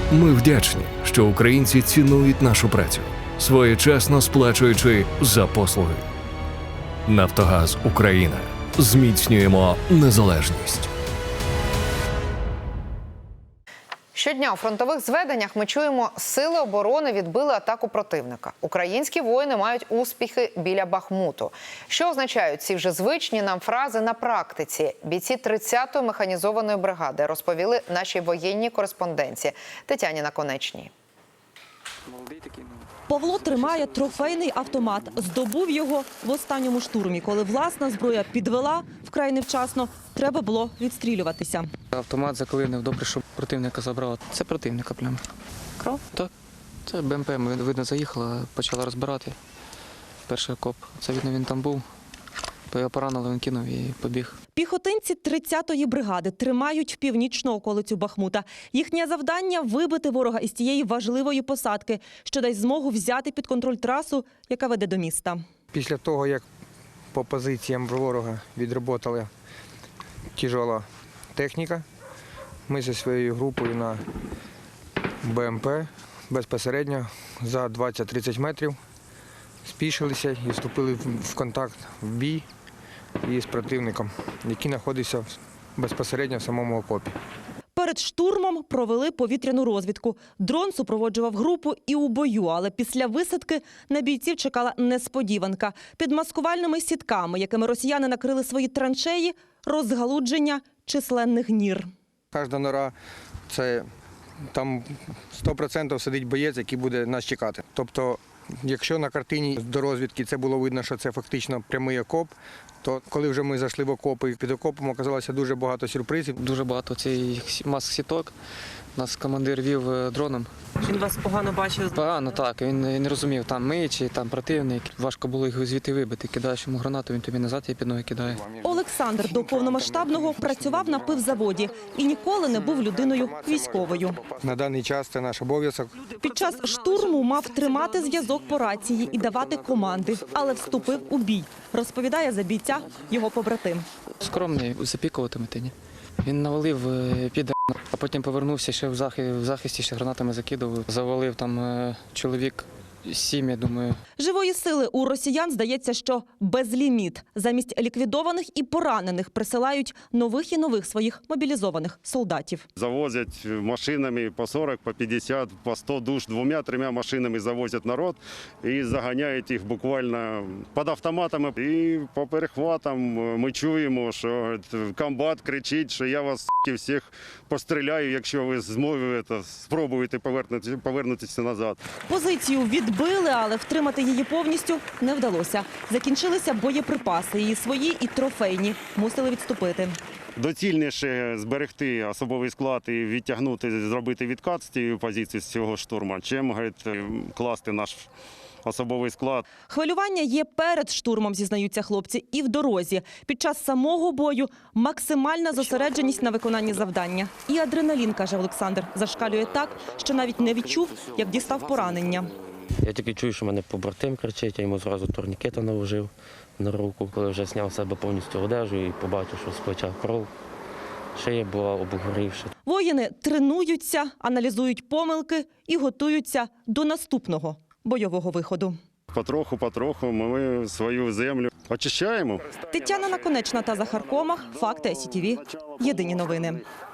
Ми вдячні, що українці цінують нашу працю, своєчасно сплачуючи за послуги. Нафтогаз Україна. Зміцнюємо незалежність. Щодня у фронтових зведеннях ми чуємо, сили оборони відбили атаку противника. Українські воїни мають успіхи біля Бахмуту. Що означають ці вже звичні нам фрази на практиці? Бійці 30-ї механізованої бригади розповіли нашій воєнній кореспонденції Тетяні Наконечній. Павло тримає трофейний автомат. Здобув його в останньому штурмі, коли власна зброя підвела вкрай невчасно. Треба було відстрілюватися. Автомат заклинив, добре, що противника забрав. Це противника прямо. Кров? Так. Це БМП, видно, заїхала, почала розбирати. Перший окоп. Це, видно, він там був. То його поранили, він кинув і побіг. Піхотинці 30-ї бригади тримають північну околицю Бахмута. Їхнє завдання – вибити ворога із тієї важливої посадки, що дасть змогу взяти під контроль трасу, яка веде до міста. Після того, як по позиціям ворога відроботала тяжела техніка, ми зі своєю групою на БМП безпосередньо за 20-30 метрів спішилися і вступили в контакт, в бій із противником, який знаходився безпосередньо в самому окопі. Перед штурмом провели повітряну розвідку. Дрон супроводжував групу і у бою, але після висадки на бійців чекала несподіванка. Під маскувальними сітками, якими росіяни накрили свої траншеї, розгалудження численних нір. Кожна нора – це там 100% сидить боєць, який буде нас чекати. Тобто, якщо на картині до розвідки це було видно, що це фактично прямий окоп, то коли вже ми зайшли в окопи, під окопом оказалося дуже багато сюрпризів. Дуже багато цих маск-сіток. Нас командир вів дроном. Він вас погано бачив? Погано, так. Він не розумів, там ми чи там противник. Важко було їх звідти вибити. Кидаєш йому гранату, він тобі назад її під ноги кидає. Олександр до повномасштабного працював на пивзаводі і ніколи не був людиною військовою. На даний час це наш обов'язок. Під час штурму мав тримати зв'язок по рації і давати команди, але вступив у бій, розповідає за бійця його побратим. Скромний, запікувати метині. Він навалив під, а потім повернувся ще в захисті, ще гранатами закидував. Завалив там чоловік 7, я думаю. Живої сили у росіян, здається, що безліміт. Замість ліквідованих і поранених присилають нових і нових своїх мобілізованих солдатів. Завозять машинами по 40, по 50, по 100 душ, 2-3 машинами завозять народ і заганяють їх буквально під автоматами. І по перехватам ми чуємо, що комбат кричить, що я вас всіх постріляю, якщо ви спробуєте повернутися назад. Позицію відбили, але втримати її повністю не вдалося. Закінчилися боєприпаси, і свої, і трофейні. Мусили відступити. Доцільніше зберегти особовий склад і відтягнути, зробити відкат з цієї позиції, з цього штурму, чим, говорить, класти наш особовий склад. Хвилювання є перед штурмом, зізнаються хлопці, і в дорозі. Під час самого бою максимальна зосередженість на виконанні завдання. І адреналін, каже Олександр, зашкалює так, що навіть не відчув, як дістав поранення. Я тільки чую, що мене побратим кричить, я йому зразу турнікета наложив на руку. Коли вже зняв з себе повністю одежу і побачив, що з плеча кров, шия була обгорівша. Воїни тренуються, аналізують помилки і готуються до наступного бойового виходу. Потроху ми свою землю очищаємо. Тетяна Наконечна та Захар Комах. Факти СІТВ. Єдині новини.